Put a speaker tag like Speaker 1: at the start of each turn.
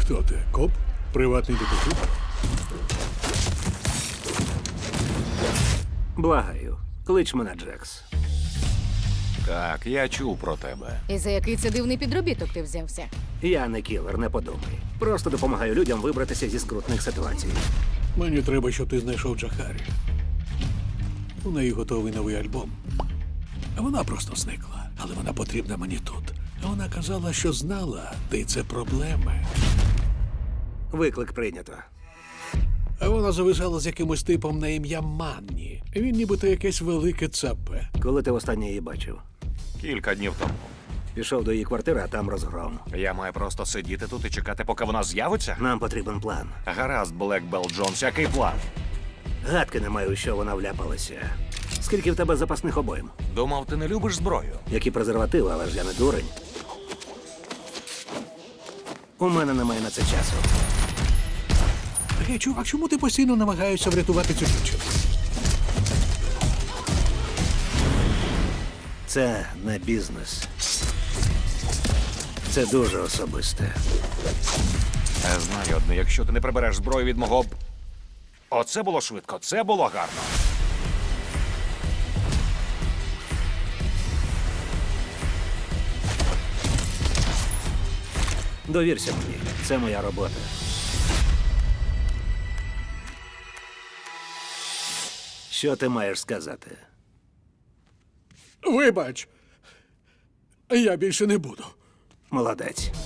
Speaker 1: Хто ти? Коп? Приватний детектив?
Speaker 2: Благаю, клич мене Джекс.
Speaker 3: Так, я чув про тебе.
Speaker 4: І за який це дивний підробіток ти взявся?
Speaker 2: Я не кілер, не подумай. Просто допомагаю людям вибратися зі скрутних ситуацій.
Speaker 1: Мені треба, щоб ти знайшов Джахарі. У неї готовий новий альбом. А вона просто зникла. Але вона потрібна мені тут. А вона казала, що знала, де це проблеми.
Speaker 2: Виклик прийнято.
Speaker 1: А вона зависала з якимось типом на ім'я Манні. Він нібито якесь велике цапе.
Speaker 2: Коли ти востаннє її бачив?
Speaker 3: Кілька днів тому.
Speaker 2: Пішов до її квартири, а там розгром.
Speaker 3: Я маю просто сидіти тут і чекати, поки вона з'явиться?
Speaker 2: Нам потрібен план.
Speaker 3: Гаразд, Блекбелл Джонс, який план?
Speaker 2: Гадки не маю, у що вона вляпалася. Скільки в тебе запасних обойм?
Speaker 3: Думав, ти не любиш зброю.
Speaker 2: Які презервативи, але ж я не дурень. У мене немає на це часу.
Speaker 1: Гей, чувак, чому ти постійно намагаєшся врятувати цю дівчину?
Speaker 2: Це не бізнес. Це дуже особисте.
Speaker 3: Знаю одне, якщо ти не прибереш зброю від мого... Оце було швидко, це було гарно.
Speaker 2: Довірся мені, це моя робота. Що ти маєш сказати?
Speaker 1: Вибач, я більше не буду.
Speaker 2: Молодець.